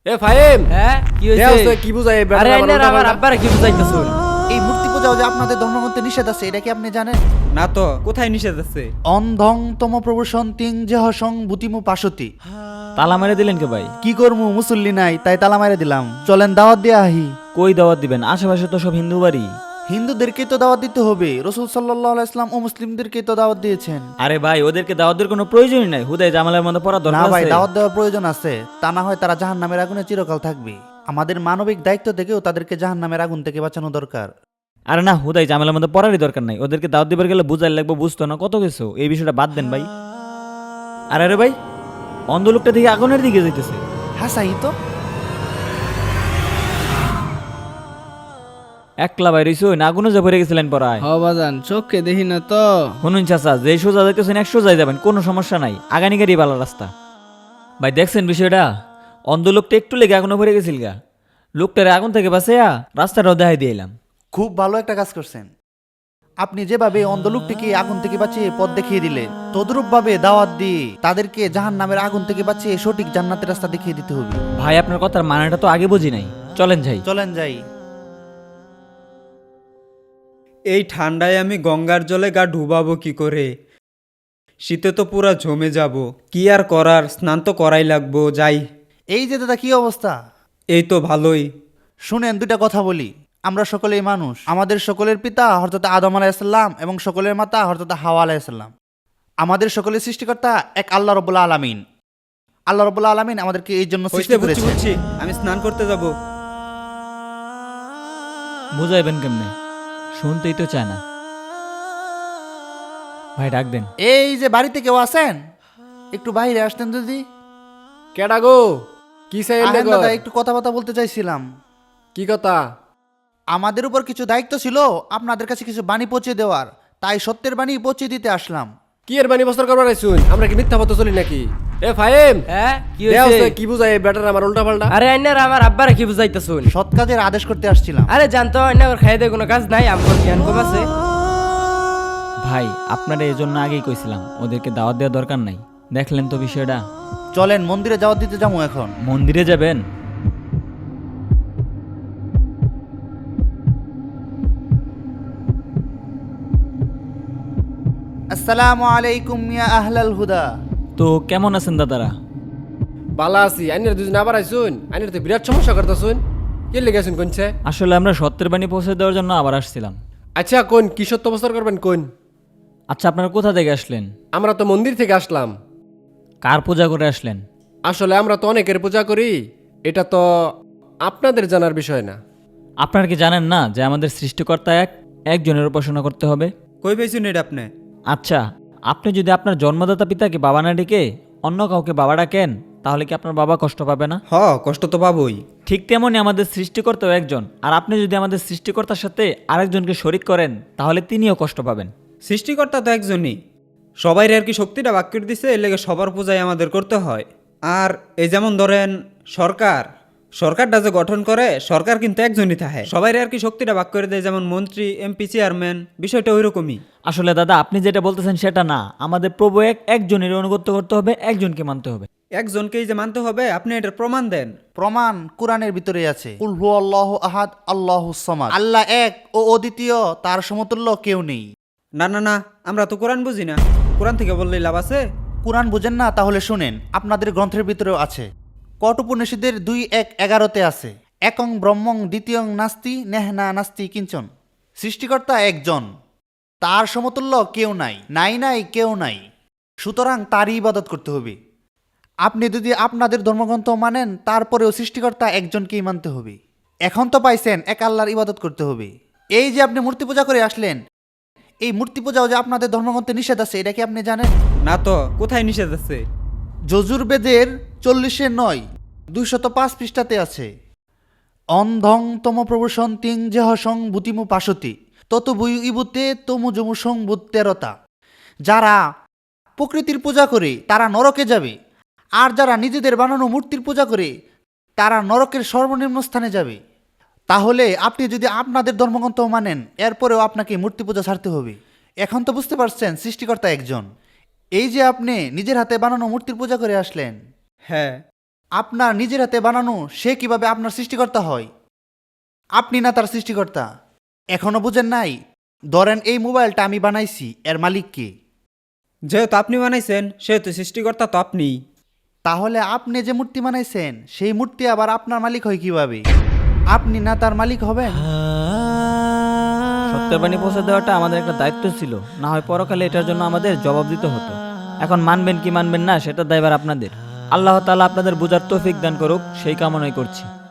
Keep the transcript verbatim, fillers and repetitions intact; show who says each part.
Speaker 1: এ ফাহিম,
Speaker 2: হ্যাঁ কি
Speaker 1: দেখ
Speaker 2: হইছে?
Speaker 1: তো কি বুঝাই এই
Speaker 2: আরে
Speaker 1: বেটার আমার
Speaker 2: আইনার
Speaker 1: উল্টা
Speaker 2: আমার
Speaker 1: পাল্টা।
Speaker 2: আব্বারে কি বুঝাইতাছুন?
Speaker 3: এই মূর্তি পূজাও যে আপনাদের ধর্মগ্রন্থে নিষেধ আছে, এটা কি আপনি জানেন?
Speaker 4: না তো, কোথায় নিষেধ আছে?
Speaker 3: অন্ধং তম প্রবসন্তিং যেহসং বুতিমু পাশতি।
Speaker 5: তালা মেরে দিলেন কে ভাই?
Speaker 3: কি করমু, মুসল্লি নাই তাই তালা মারে দিলাম। চলেন দাওয়াত দিয়ে আহি।
Speaker 5: কই দাওয়াত দিবেন? আশেপাশে তো সব হিন্দু বাড়ি।
Speaker 3: হিন্দুদেরকে তো দাওয়াত দিতে হবে, রসুল সাল্লাল্লাহু আলাইহি ইসলাম ও মুসলিমদেরকে তো দাওয়াত দিয়েছেন।
Speaker 5: আরে ভাই, ওদেরকে দাওয়াত দেওয়ার কোনো প্রয়োজনই নাই। হুদাই জামালের মধ্যে পড়া
Speaker 3: না
Speaker 5: দরকার
Speaker 3: ভাই,
Speaker 5: আছে?
Speaker 3: দাওয়াত দেওয়ার প্রয়োজন আছে, তা না হয় তারা জাহান্নামের আগুনে চিরকাল থাকবে। আমাদের মানবিক দায়িত্ব থেকেও তাদেরকে জাহান্নামের আগুন থেকে বাঁচানো দরকার।
Speaker 5: আরে না, হুদাই জামালের মধ্যে পড়ারই দরকার নাই। ওদেরকে দাওয়াত দিবার গেলে বুঝাই লাগবে, বুঝতো না কত কিছু। এই বিষয়টা বাদ দেন ভাই। আরে আরে ভাই, অন্ধ লোকটা দিকে আগুনের দিকে যাইতেছে।
Speaker 3: হ্যাঁ সাই তো।
Speaker 5: একলা বাইরে না, আগুনে যা পড়ে গেছিলেন পড়ায়।
Speaker 2: হ বাজান, চোখকে দেখি না তো।
Speaker 5: শুনুন চাচা, যে সোজা যাইতেছেন এক সোজাই যাবেন, কোনো সমস্যা নাই। আগানি গাড়ি ভালো রাস্তা। ভাই দেখছেন বিষয়টা? অন্ধ লোকটা একটু লেগে আগুনে পড়ে গেছিল গা। লোকটারে আগুন থেকে বাঁচাইয়া রাস্তাটাও দেখাই দিয়ে এলাম।
Speaker 3: খুব ভালো একটা কাজ করছেন আপনি। যেভাবে অন্ধলোকটিকে আগুন থেকে বাঁচিয়ে পথ দেখিয়ে দিলেন, তদ্রূপ ভাবে দাওয়াত দিয়ে তাদেরকে জাহান্নামের আগুন থেকে বাঁচিয়ে সঠিক জান্নাতের রাস্তা দেখিয়ে দিতে হবে।
Speaker 5: ভাই আপনার কথার মানেটা তো আগে বুঝি নাই। চলেন যাই।
Speaker 3: চলেন যাই।
Speaker 4: এই ঠান্ডায় আমি গঙ্গার জলে গা ডুবাবো কি করে? শীতে তো পুরা জমে যাব। কি আর করার, স্নান তো করাই লাগবো। যাই।
Speaker 3: এই যে দাদা, কি অবস্থা?
Speaker 4: এই তো ভালোই।
Speaker 3: শুনেন, দুইটা কথা বলি। আমরা সকলেই মানুষ। আমাদের সকলের পিতা হযরত আদম আলাইহিসসালাম এবং সকলের মাতা হযরত হাওয়া আলাইহিসসালাম। আমাদের সকলের সৃষ্টিকর্তা এক আল্লাহ রাব্বুল আলামিন। আল্লাহ রাব্বুল আলামিন আমাদেরকে এই জন্য
Speaker 4: হইছে,
Speaker 3: সৃষ্টি
Speaker 4: বুঝছি
Speaker 3: করেছেন।
Speaker 4: বুঝছি। আমি স্নান করতে যাব।
Speaker 5: বুঝাইবেন কেমনে? শুনতেই তো চায় না। ভাই ডাক দেন।
Speaker 3: এই যে বাড়িতে কেউ আছেন, একটু বাইরে আসতেন যদি।
Speaker 1: কেডা গো? কি চাই
Speaker 3: আহেন
Speaker 1: গো?
Speaker 3: দাদা, একটু কথাবার্তা বলতে চাইছিলাম।
Speaker 1: কি কথা?
Speaker 3: আমাদের উপর কিছু দায়িত্ব ছিল আপনাদের কাছে কিছু বাণী পৌঁছে দেওয়ার, তাই সত্যের বাণী পৌঁছে দিতে আসলাম।
Speaker 1: কি এর বানি বস্তর করবার আইছুন? আমরা কি মিথ্যা পথে চলি নাকি? এ ফাহিম,
Speaker 2: হ্যাঁ কি
Speaker 1: দেখ
Speaker 2: হইছে?
Speaker 1: তো কি বুঝাই এই বেটার আমার উল্টা পাল্টা।
Speaker 2: আরে আইনার আমার আব্বারে কি বুঝাইতাছুন?
Speaker 3: সৎ কাজের আদেশ করতে আসছিলাম।
Speaker 2: আরে জানতো আইনার খাইয়ে দেয় কোনো কাজ নাই, আমার জ্ঞান কম আছে।
Speaker 5: ভাই আপনারা এই জন্য আগেই কইছিলাম ওদেরকে দাওয়াত দেওয়ার দরকার নাই। দেখলেন তো বিষয়টা?
Speaker 3: চলেন মন্দিরে যাওয়াত দিতে যাবো এখন।
Speaker 5: মন্দিরে যাবেন?
Speaker 3: আসসালামু আলাইকুম ইয়া আহলাল হুদা।
Speaker 5: তো কেমন আছেন দাদারা?
Speaker 1: বালা আছি। আইনের দুজন আবার আইছুন। আইনের তো বিরাট সমস্যা করতেছুন। কি লেগে আছেন কোনছে?
Speaker 5: আসলে আমরা সত্যের বাণী পৌঁছে দেওয়ার জন্য আবার আসছিলাম।
Speaker 1: আচ্ছা কোন কি সত্য বস্তর করবেন কোন?
Speaker 5: আচ্ছা আপনারা কোথা থেকে আসলেন?
Speaker 1: আমরা তো মন্দির থেকে আসলাম।
Speaker 5: কার পূজা করে আসলেন?
Speaker 1: আসলে আমরা তো অনেকের পূজা করি, এটা তো আপনাদের জানার বিষয় না।
Speaker 5: আপনারা কি জানেন না যে আমাদের সৃষ্টিকর্তা এক, একজনের উপাসনা করতে হবে?
Speaker 4: কই পেয়েছুন এটা আপনি?
Speaker 5: আচ্ছা, আপনি যদি আপনার জন্মদাতা পিতাকে বাবা না ডেকে অন্য কাউকে বাবা ডাকেন, তাহলে কি আপনার বাবা কষ্ট পাবে না?
Speaker 4: হ, কষ্ট তো পাবই।
Speaker 5: ঠিক তেমনই আমাদের সৃষ্টিকর্তাও একজন। আর আপনি যদি আমাদের সৃষ্টিকর্তার সাথে আরেকজনকে শরিক করেন, তাহলে তিনিও কষ্ট পাবেন।
Speaker 4: সৃষ্টিকর্তা তো একজনই। সবাই আর কি শক্তিটা ভাগ করে দিছে, এর লেগে সবার পূজাই আমাদের করতে হয়। আর এই যেমন ধরেন সরকার, সরকারটা যে গঠন করে, সরকার কিন্তু একজনই থাকে। সবাই আর কি শক্তিটা ভাগ করে দেয়, যেমন মন্ত্রী, এমপি, চেয়ারম্যান, বিষয়টা ওই রকমই।
Speaker 5: আসলে দাদা আপনি যেটা বলতেছেন সেটা না। আমাদের প্রভু এক, একজনের অনুগত্য করতে হবে, একজনকে মানতে হবে।
Speaker 4: একজনকেই যে মানতে হবে, আপনি এটার প্রমাণ দেন।
Speaker 3: প্রমাণ কোরআনের ভিতরে আছে। কুল হুয়াল্লাহু আহাদ আল্লাহুস সামাদ। আল্লাহ এক ও অদ্বিতীয়, তার সমতুল্য কেউ নেই।
Speaker 4: না না না, আমরা তো কোরআন বুঝি না। কোরআন থেকে বললেই লাভ আছে?
Speaker 3: কোরআন বুঝেন না? তাহলে শুনেন, আপনাদের গ্রন্থের ভিতরেও আছে। কঠোপনিষদের দুই এক এগারোতে আছে, একং ব্রহ্মং দ্বিতীয়ং নাস্তি নেহনা নাস্তি কিঞ্চন। সৃষ্টিকর্তা একজন, তার সমতুল্য কেউ নাই, নাই নাই কেউ নাই। সুতরাং তারই ইবাদত করতে হবে। আপনি যদি আপনাদের ধর্মগ্রন্থ মানেন, তারপরেও সৃষ্টিকর্তা একজনকেই মানতে হবে। এখন তো পাইছেন এক আল্লাহর ইবাদত করতে হবে। এই যে আপনি মূর্তি পূজা করে আসলেন, এই মূর্তি পূজাও যে আপনাদের ধর্মগ্রন্থে নিষেধ আছে, এটা কি আপনি জানেন?
Speaker 4: না তো, কোথায় নিষেধ আছে?
Speaker 3: যজুর্বেদের চল্লিশে নয় দুইশত পাঁচ পৃষ্ঠাতে আছে, অন্ধং তম প্রবসন্তিং যেহসং বুতিমু পাশতি তত বুই ইবুতে তমু জমুসং বুত্তেরতা। যারা প্রকৃতির পূজা করে তারা নরকে যাবে, আর যারা নিজেদের বানানো মূর্তির পূজা করে তারা নরকের সর্বনিম্ন স্থানে যাবে। তাহলে আপনি যদি আপনাদের ধর্মগ্রন্থ মানেন, এরপরেও আপনাকে মূর্তি পূজা ছাড়তে হবে। এখন তো বুঝতে পারছেন সৃষ্টিকর্তা একজন। এই যে আপনি নিজের হাতে বানানো মূর্তির পূজা করে আসলেন,
Speaker 4: হ্যাঁ।
Speaker 3: আপনার নিজের হাতে বানানো সে কিভাবে আপনার সৃষ্টিকর্তা হয়? আপনি না তার সৃষ্টিকর্তা। এখনো বুঝেন নাই? ধরেন এই মোবাইলটা আমি বানাইছি, এর মালিক কে?
Speaker 4: যেহেতু আপনি বানাইছেন সেহেতু সৃষ্টিকর্তা তো আপনি।
Speaker 3: তাহলে আপনি যে মূর্তি বানাইছেন সেই মূর্তি আবার আপনার মালিক হয় কিভাবে? আপনি না তার মালিক হবেন?
Speaker 5: সত্যের বাণী পৌঁছে দেওয়াটা আমাদের একটা দায়িত্ব ছিল, না হয় পরকালে এটার জন্য আমাদের জবাব দিতে হতো। এখন মানবেন কি মানবেন না সেটা দায়ভার আপনাদের। আল্লাহ তাআলা আপনাদের বোঝার তৌফিক দান করুক, সেই কামনাই করছি।